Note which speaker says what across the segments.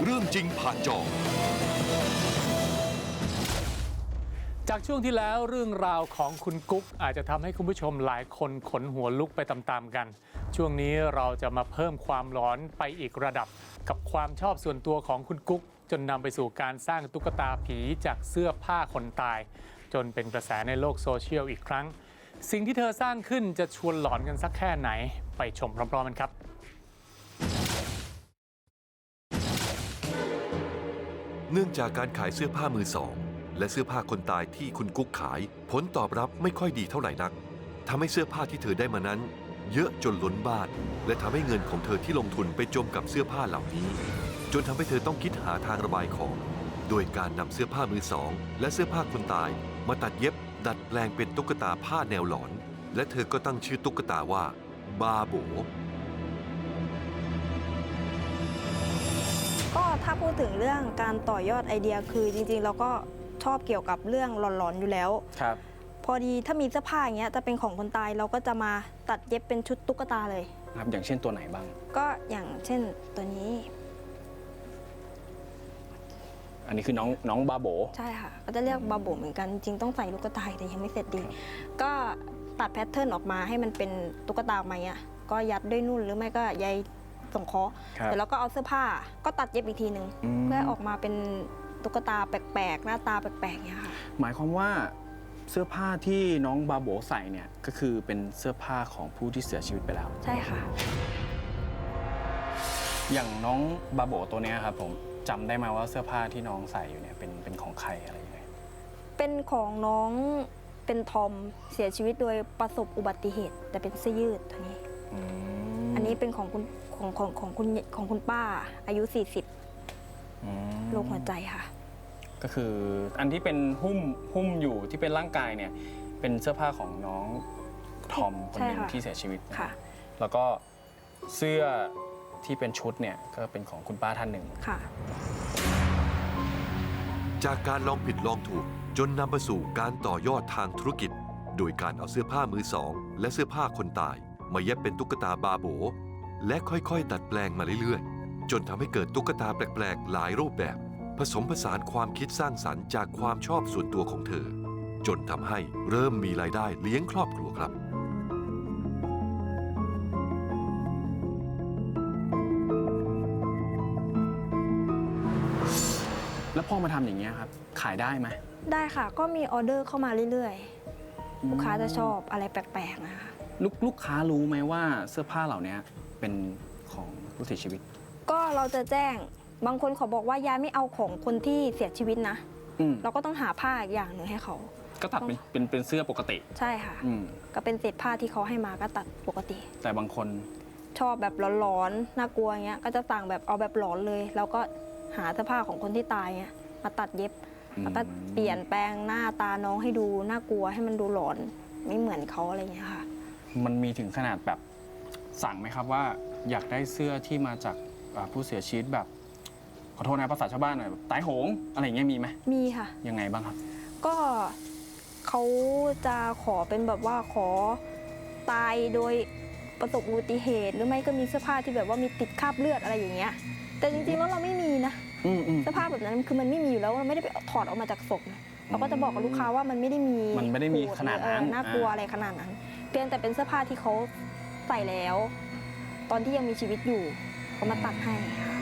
Speaker 1: เรื่องจริงผ่านจอ
Speaker 2: จากช่วงที่แล้วเรื่องราวของคุณกุ๊กอาจจะทำให้คุณผู้ชมหลายคนขนหัวลุกไปตามๆกันช่วงนี้เราจะมาเพิ่มความร้อนไปอีกระดับกับความชอบส่วนตัวของคุณกุ๊กจนนำไปสู่การสร้างตุ๊กตาผีจากเสื้อผ้าคนตายจนเป็นกระแสในโลกโซเชียลอีกครั้งสิ่งที่เธอสร้างขึ้นจะชวนหลอนกันสักแค่ไหนไปชมพร้อมๆกันครับ
Speaker 1: เนื่องจากการขายเสื้อผ้ามือสองและเสื้อผ้าคนตายที่คุณกุ๊กขายผลตอบรับไม่ค่อยดีเท่าไหร่นักทำให้เสื้อผ้าที่เธอได้มานั้นเยอะจนล้นบ้านและทำให้เงินของเธอที่ลงทุนไปจมกับเสื้อผ้าเหล่านี้จนทำให้เธอต้องคิดหาทางระบายของโดยการนำเสื้อผ้ามือสองและเสื้อผ้าคนตายมาตัดเย็บดัดแปลงเป็นตุ๊กตาผ้าแนวหลอนและเธอก็ตั้งชื่อตุ๊กตาว่าบาโบ
Speaker 3: ก็ถ้าพูดถึงเรื่องการต่อยอดไอเดียคือจริงๆเราก็ชอบเกี่ยวกับเรื่องหลอนๆอยู่แล้ว
Speaker 4: ครับ
Speaker 3: พอดีถ้ามีเสื้อผ้าอย่างเงี้ยจะเป็นของคนตายเราก็จะมาตัดเย็บเป็นชุดตุ๊กตาเลย
Speaker 4: ครับอย่างเช่นตัวไหนบ้าง
Speaker 3: ก็อย่างเช่นตัวนี้
Speaker 4: อันนี้คือน้องบาโบ
Speaker 3: ใช่ค่ะก็จะเรียกบาโบเหมือนกันจริงต้องใส่ลูกตาแต่ยังไม่เสร็จดีก็ตัดแพทเทิร์นออกมาให้มันเป็นตุ๊กตาออกมาอ่ะก็ยัดด้วยนุ่นหรือไม่ก็ใยสงเคราะห์เสร็จแล้วก็เอาเสื้อผ้าก็ตัดเย็บอีกทีหนึ่งเพื่อออกมาเป็นตุ๊กตาแปลกๆหน้าตาแปลกๆเนี่ยค่ะ
Speaker 4: หมายความว่าเสื้อผ้าที่น้องบาโบใส่เนี่ยก็คือเป็นเสื้อผ้าของผู้ที่เสียชีวิตไปแล้ว
Speaker 3: ใช่ค่ะ
Speaker 4: อย่างน้องบาโบตัวนี้ครับผมจำได้ไหมว่าเสื้อผ้าที่น้องใส่อยู่เนี่ยเป็นของใครอะไรยังไง
Speaker 3: เป็นของน้องเป็นทอมเสียชีวิตโดยประสบอุบัติเหตุแต่เป็นเสื้อยืดตัวนี้อันนี้เป็นของคุณป้าอายุ40โรคหัวใจค่ะ
Speaker 4: ก็คืออันที่เป็นหุ้มอยู่ที่เป็นร่างกายเนี่ยเป็นเสื้อผ้าของน้องทอมคนหนึ่งที่เสียชีวิต
Speaker 3: ค่ะ
Speaker 4: แล้วก็เสื้อที่เป็นชุดเนี่ยก็เป็นของคุณป้าท่านหนึ่ง
Speaker 3: ค่ะ
Speaker 1: จากการลองผิดลองถูกจนนำมาสู่การต่อยอดทางธุรกิจโดยการเอาเสื้อผ้ามือสองและเสื้อผ้าคนตายมาเย็บเป็นตุ๊กตาบาโบและค่อยๆดัดแปลงมาเรื่อยๆจนทำให้เกิดตุ๊กตาแปลกๆหลายรูปแบบผสมผสานความคิดสร้างสรรค์จากความชอบส่วนตัวของเธอจนทำให้เริ่มมีรายได้เลี้ยงครอบครัวครับ
Speaker 4: แล้วพอมาทำอย่างเงี้ยครับขายได้ไหม
Speaker 3: ได้ค่ะก็มีออเดอร์เข้ามาเรื่อยๆลูกค้าจะชอบอะไรแปลกๆนะคะ
Speaker 4: ลูกค้ารู้ไหมว่าเสื้อผ้าเหล่านี้เป็นของผู้เสียชีวิต
Speaker 3: ก็เราจะแจ้งบางคนเขาบอกว่ายายไม่เอาของคนที่เสียชีวิตนะเราก็ต้องหาผ้าอีกอย่างหนึ่งให้เขา
Speaker 4: ก็ตัดเป็นเสื้อปกติ
Speaker 3: ใช่ค่ะก็เป็นเศษผ้าที่เขาให้มาก็ตัดปกติ
Speaker 4: แต่บางคน
Speaker 3: ชอบแบบร้อนๆน่ากลัวเงี้ยก็จะสั่งแบบเอาแบบหลอนเลยแล้วก็หาเสื้อผ้าของคนที่ตายเงี้ยมาตัดเย็บแล้วก็เปลี่ยนแปลงหน้าตาน้องให้ดูน่ากลัวให้มันดูหลอนไม่เหมือนเขาอะไรเงี้ยค่ะ
Speaker 4: มันมีถึงขนาดแบบสั่งไหมครับว่าอยากได้เสื้อที่มาจากผู้เสียชีวิตแบบขอโทษนะภาษาชาวบ้านหน่อยตายโหงอะไรอย่างเงี้ยมีไหม
Speaker 3: มีค่ะ
Speaker 4: ยังไงบ้างครับ
Speaker 3: ก็เขาจะขอเป็นแบบว่าขอตายโดยประสบอุบัติเหตุหรือไม่ก็มีเสื้อผ้าที่แบบว่ามีติดคราบเลือดอะไรอย่างเงี้ยแต่จริงๆแล้วเราไม่มีนะเสื้อผ้าแบบนั้นคือมันไม่มีอยู่แล้วเราไม่ได้ไปถอดออกมาจากศพเราก็จะบอกกับลูกค้าว่ามันไม่ได้มี
Speaker 4: ขนาดนั้น
Speaker 3: น่ากลัวอะไรขนาดนั้นเพียงแต่เป็นเสื้อผ้าที่เขาใส่แล้วตอนที่ยังมีชีวิตอยู่เขามาตัดให้ค่ะ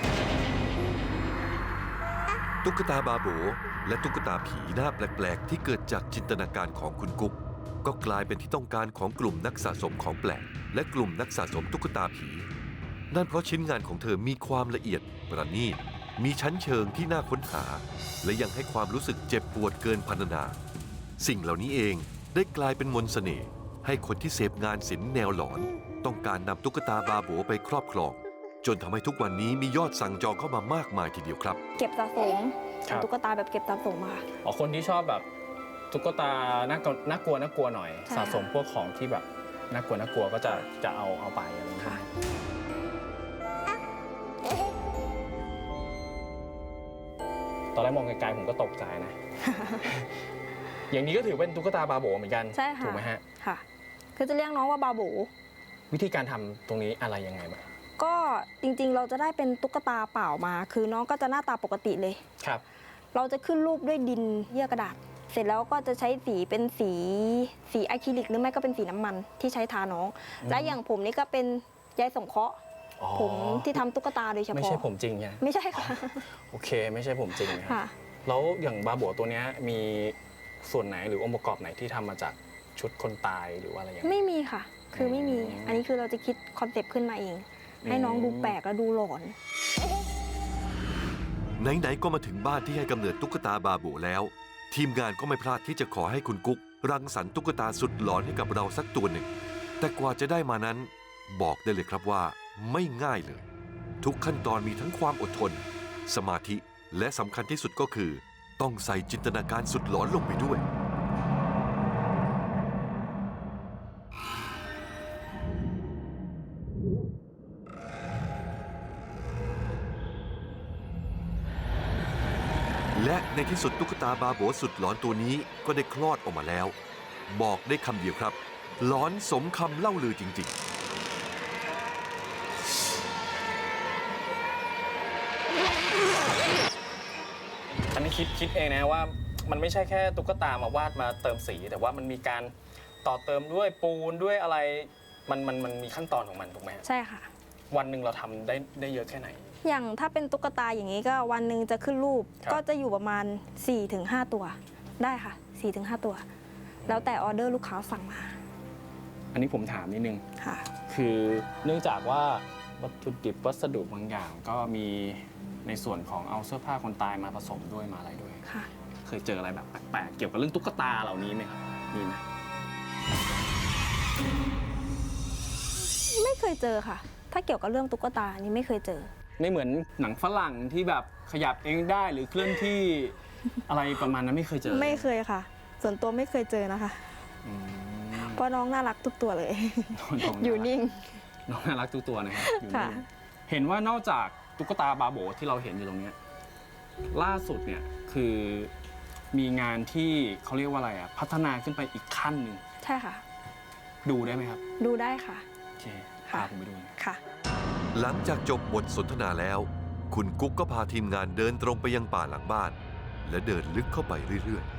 Speaker 1: ตุ๊กตาบาโบและตุ๊กตาผีหน้าแปลกๆที่เกิดจากจินตนาการของคุณกุ๊กก็กลายเป็นที่ต้องการของกลุ่มนักสะสมของแปลกและกลุ่มนักสะสมตุ๊กตาผีนั่นเพราะชิ้นงานของเธอมีความละเอียดประณีตมีชั้นเชิงที่น่าค้นหาและยังให้ความรู้สึกเจ็บปวดเกินพรรณนาสิ่งเหล่านี้เองได้กลายเป็นมนต์เสน่ห์ให้คนที่เสพงานศิลป์แนวหลอนต้องการนำตุ๊กตาบาโบไปครอบครองจนทำให้ทุกวันนี้มียอดสั่งจองเข้ามามากมายทีเดียวครับ
Speaker 3: เก็บสะสมตุ๊กตาแบบเก็บสะสมค่ะ
Speaker 4: คนที่ชอบแบบตุ๊กตาน่ากลัวหน่อยสะสมพวกของที่แบบน่ากลัวก็จะเอาไปอะไรอย่างเงี้ยตอนแรกมองไกลๆผมก็ตกใจนะ อย่างนี้ก็ถือเป็นตุ๊กตาบาโบเหมือนกัน
Speaker 3: ใช่ค่ะ
Speaker 4: ถูกไหมฮะ
Speaker 3: ค่ะคือจะเรียกน้องว่าบาโบ
Speaker 4: วิธีการทำตรงนี้อะไรยังไงบ้าง
Speaker 3: ก็จริงๆเราจะได้เป็นตุ๊กตาเปล่ามา คือน้องก็จะหน้าตาปกติเลย
Speaker 4: ครับ
Speaker 3: เราจะขึ้นรูปด้วยดินเยื่อกระดาษ เสร็จแล้วก็จะใช้สีเป็นสีอะคริลิกหรือไม่ก็เป็นสีน้ำมันที่ใช้ทาน้อง และอย่างผมนี่ก็เป็นใยสงเคราะห์
Speaker 4: อ๋อ
Speaker 3: ผมที่ทำตุ๊กตาโดยเฉพาะ
Speaker 4: ไม่ใช่ผมจริงใช่ไหม
Speaker 3: ไม่ใช่ค่ะ
Speaker 4: โอเค ไม่ใช่ผมจริงนะครับ
Speaker 3: ค่ะ
Speaker 4: แล้วอย่างบาโบตัวเนี้ยมีส่วนไหนหรือองค์ประกอบไหนที่ทำมาจากชุดคนตายหรือว่าอะไรอย่างเงี้ย
Speaker 3: ไม่มีค่ะ คือไม่มี
Speaker 4: อืม
Speaker 3: อันนี้คือเราจะคิดคอนเซปต์ขึ้นมาเอง ให้น้องดูแปลกและดูหลอน
Speaker 1: ไหนๆก็มาถึงบ้านที่ให้กำเนิดตุ๊กตาบาโบแล้ว ทีมงานก็ไม่พลาดที่จะขอให้คุณกุ๊กรังสรรค์ตุ๊กตาสุดหลอนให้กับเราสักตัวหนึ่ง แต่กว่าจะได้มานั้น บอกได้เลยครับว่าไม่ง่ายเลย ทุกขั้นตอนมีทั้งความอดทน สมาธิและสำคัญที่สุดก็คือ ต้องใส่จินตนาการสุดหลอนลงไปด้วย และในที่สุดตุ๊กตาบาโบสุดหลอนตัวนี้ก็ได้คลอดออกมาแล้ว บอกได้คำเดียวครับ หลอนสมคำเล่าลือจริง ๆ
Speaker 4: อันนี้คิดเองนะว่ามันไม่ใช่แค่ตุ๊กตามาวาดมาเติมสี แต่ว่ามันมีการต่อเติมด้วยปูนด้วยอะไรมันมีขั้นตอนของมันถูกไหม
Speaker 3: ใช่ค่ะ
Speaker 4: วันหนึ่งเราทำได้เยอะแค่ไหน
Speaker 3: อย่างถ้าเป็นตุ๊กตาอย่างนี้ก็วันหนึ่งจะขึ้นรูป
Speaker 4: ครับ
Speaker 3: ก็จะอยู่ประมาณ 4-5 ตัว ได้ค่ะ 4-5 ตัว แล้วแต่ออเดอร์ลูกค้าสั่งมา
Speaker 4: อันนี้ผมถามนิดนึง
Speaker 3: ค่ะ
Speaker 4: คือเนื่องจากว่าวัตถุดิบวัสดุบางอย่างก็มีในส่วนของเอาเสื้อผ้าคนตายมาผสมด้วยมาอะไรด้วย
Speaker 3: ค่ะ
Speaker 4: เคยเจออะไรแบบแปลกๆเกี่ยวกับเรื่องตุ๊กตาเหล่านี้ไหมครับมีไหม
Speaker 3: ไม่เคยเจอค่ะ ถ้าเกี่ยวกับเรื่องตุ๊กตานี่ไม่เคยเจอ
Speaker 4: ไม่เหมือนหนังฝรั่งที่แบบขยับเองได้หรือเคลื่อนที่ อะไรประมาณนั้นไม่เคยเจอ
Speaker 3: ไม่เคยค่ะ ส่วนตัวไม่เคยเจอนะคะ
Speaker 4: อืม
Speaker 3: เพราะน้องน่ารักทุกตัวเลย
Speaker 4: น้อง
Speaker 3: อยู่นิ่ง
Speaker 4: น้องน่ารักทุกตัวนะครับอยู่
Speaker 3: ค่ะ
Speaker 4: นิ่งเห็นว่านอกจากตุ๊กตาบาโบที่เราเห็นอยู่ตรงเนี้ยล่าสุดเนี่ยคือมีงานที่เขาเรียกว่าอะไรอ่ะพัฒนาขึ้นไปอีกขั้นหนึ่ง
Speaker 3: ใช่ค่ะ
Speaker 4: ดูได้ไหมครับ
Speaker 3: ดูได้ค่ะ
Speaker 4: โอเค
Speaker 3: ค่ะ
Speaker 4: พาผมไปดูหน่อย
Speaker 3: ค่ะ
Speaker 1: หลังจากจบบทสนทนาแล้ว คุณกุ๊กก็พาทีมงานเดินตรงไปยังป่าหลังบ้าน และเดินลึกเข้าไปเรื่อย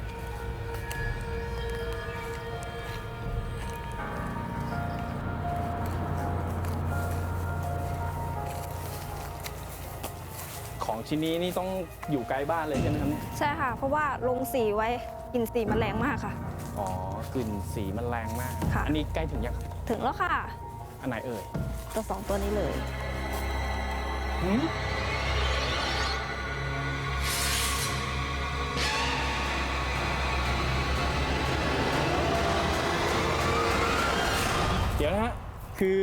Speaker 4: ของชิ้นนี้นี่ต้องอยู่ไกลบ้านเลยใช่ไหมครับเนี่ย
Speaker 3: ใช่ค่ะ เพราะว่าลงสีไว้กลิ่นสีมันแรงมากค่ะ
Speaker 4: อ๋อกลิ่นสีมันแรงมาก
Speaker 3: ค่ะ
Speaker 4: อันนี้ใกล้ถึงยังครับ
Speaker 3: ถึงแล้วค่ะ
Speaker 4: อันไหนเอ่ย
Speaker 3: ตัวสองตัวนี้เลย
Speaker 4: หืมเดี๋ยวนะฮะ คือ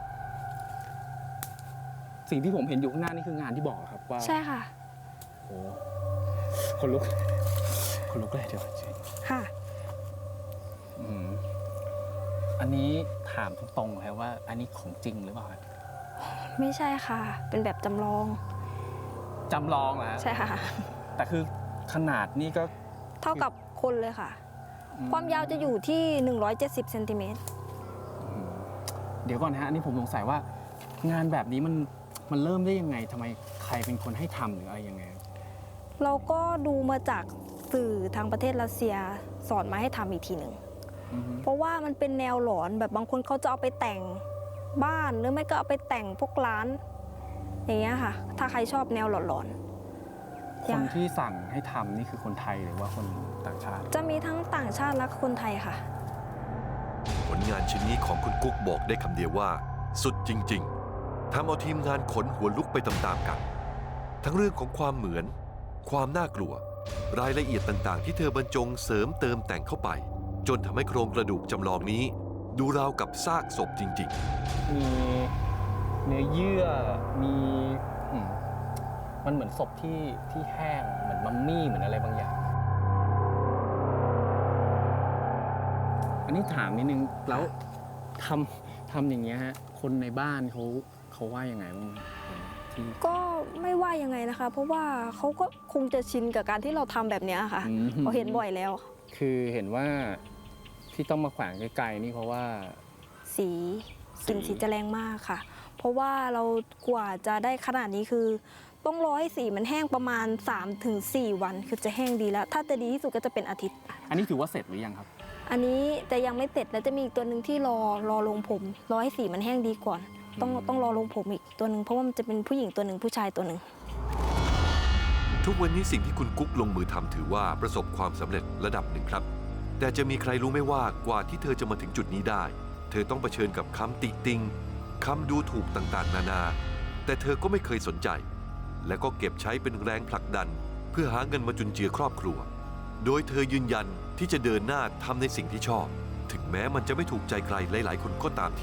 Speaker 4: สิ่งที่ผมเห็นอยู่ข้างหน้านี่คืองานที่บอกเหรอครับว่า
Speaker 3: ใช่ค่ะ
Speaker 4: โอ้คนลุก คนลุกเลยเดี๋ยวจริง
Speaker 3: ค่ะ
Speaker 4: อืมอันนี้ถามตรงๆเลยว่า อันนี้ของจริงหรือเปล่าครับ
Speaker 3: ไม่ใช่ค่ะ เป็นแบบจำลอง
Speaker 4: จำลองเหรอฮะ
Speaker 3: ใช่ค่ะ
Speaker 4: แต่คือขนาดนี่ก็
Speaker 3: เท่ากับคนเลยค่ะ ความยาวจะอยู่ที่ 170 เซนติเมตร
Speaker 4: เดี๋ยวก่อนนะฮะอันนี้ผมสงสัยว่างานแบบนี้มันเริ่มได้ยังไงทำไมใครเป็นคนให้ทำหรืออะไรยังไงครับ
Speaker 3: เราก็ดูมาจากสื่อทางประเทศรัสเซียสอนมาให้ทำอีกทีหนึ่ง
Speaker 4: อือฮึ
Speaker 3: เพราะว่ามันเป็นแนวหลอนแบบบางคนเขาจะเอาไปแต่งบ้านหรือไม่ก็เอาไปแต่งพวกร้าน อย่างเงี้ยค่ะ ถ้าใครชอบแนวหลอน
Speaker 4: คนที่สั่งให้ทำนี่คือคนไทยหรือว่าคนต่างชาติ
Speaker 3: ๆ จะมีทั้งต่างชาติและคนไทยค่ะ
Speaker 1: ๆ ผลงานชิ้นนี้ของคุณกุ๊กบอกได้คำเดียวว่า สุดจริง ๆทำเอาทีมงานขนหัวลุกไปตามๆกัน ทั้งเรื่องของความเหมือน ความน่ากลัว รายละเอียดต่างๆ ที่เธอบรรจงเสริมเติมแต่งเข้าไป จนทำให้โครงกระดูกจำลองนี้ ดูราวกับซากศพจริง ๆ
Speaker 4: มีเนื้อเยื่อมีมันเหมือนศพที่แห้งเหมือนมัมมี่เหมือนอะไรบางอย่าง อันนี้ถามนิดนึงแล้วทำอย่างเงี้ยฮะคนในบ้านเขาว่ายังไงบ้างที่
Speaker 3: ก็ไม่ว่ายังไงนะคะ เพราะว่าเขาก็คงจะชินกับการที่เราทำแบบเนี้ยค่ะ
Speaker 4: อืม
Speaker 3: เขาเห็นบ่อยแล้ว
Speaker 4: คือเห็นว่าที่ต้องมาแขวนไกลๆนี่เพราะว่า
Speaker 3: สีกลิ่นสีจะแรงมากค่ะเพราะว่าเรากว่าจะได้ขนาดนี้คือ ต้องรอให้สีมันแห้งประมาณ 3-4 วันคือจะแห้งดีแล้ว ถ้าจะดีที่สุดก็จะเป็นอาทิตย์
Speaker 5: อันนี้ถือว่าเสร็จหรือยังครับ
Speaker 3: อันนี้จะยังไม่เสร็จแล้วจะมีอีกตัวหนึ่งที่รอลงผมรอให้สีมันแห้งดีก่อน ต้องรอลงผมอีกตัวหนึ่งเพราะว่ามันจะเป็นผู้หญิงตัวหนึ่งผู้ชายตัวหนึ่ง
Speaker 1: ทุกวันนี้สิ่งที่คุณกุ๊กลงมือทำถือว่าประสบความสำเร็จระดับหนึ่งครับ แต่จะมีใครรู้ไหมว่ากว่าที่เธอจะมาถึงจุดนี้ได้ เธอต้องเผชิญกับคำติติงคำดูถูกต่างๆ นานา แต่เธอก็ไม่เคยสนใจ และก็เก็บใช้เป็นแรงผลักดัน เพื่อหาเงินมาจุนเจือครอบครัว โดยเธอยืนยันที่จะเดินหน้าทำในสิ่งที่ชอบ ถึงแม้มันจะไม่ถูกใจใครหลายๆ คนก็ตามที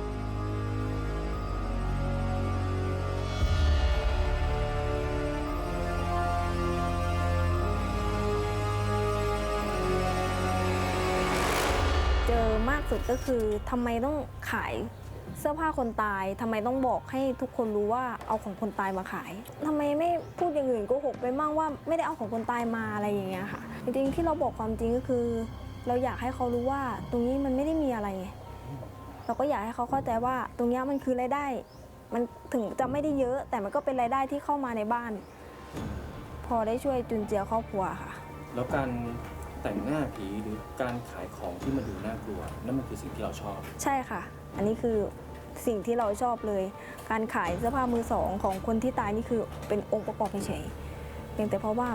Speaker 3: เจอมากสุดก็คือทำไมต้องขายเสื้อผ้าคนตายทำไมต้องบอกให้ทุกคนรู้ว่าเอาของคนตายมาขายทำไมไม่พูดอย่างอื่นโกหกไปมั่งว่าไม่ได้เอาของคนตายมาอะไรอย่างเงี้ยค่ะจริงๆที่เราบอกความจริงก็คือ เราอยากให้เขารู้ว่าตรงนี้มันไม่ได้มีอะไรไงเราก็อยากให้เขาเข้าใจว่าตรงนี้มันคือรายได้ มันถึงจะไม่ได้เยอะ แต่มันก็เป็นรายได้ที่เข้ามาในบ้าน พอได้ช่วยจุนเจือครอบครัวค่ะ
Speaker 5: แล้วการแต่งหน้าผีหรือการขายของที่มันดูน่ากลัวนั่นมันคือสิ่งที่เราชอบ
Speaker 3: ใช่ค่ะ อันนี้คือสิ่งที่เราชอบเลย การขายเสื้อผ้ามือสองของคนที่ตายนี่คือเป็นองค์ประกอบเฉยๆเพียงแต่เพราะว่า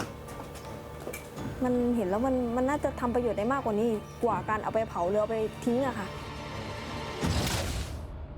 Speaker 3: มันเห็นแล้วมันน่าจะทำประโยชน์ได้มากกว่านี้กว่าการเอาไปเผาหรือเอาไปทิ้งอะค่ะ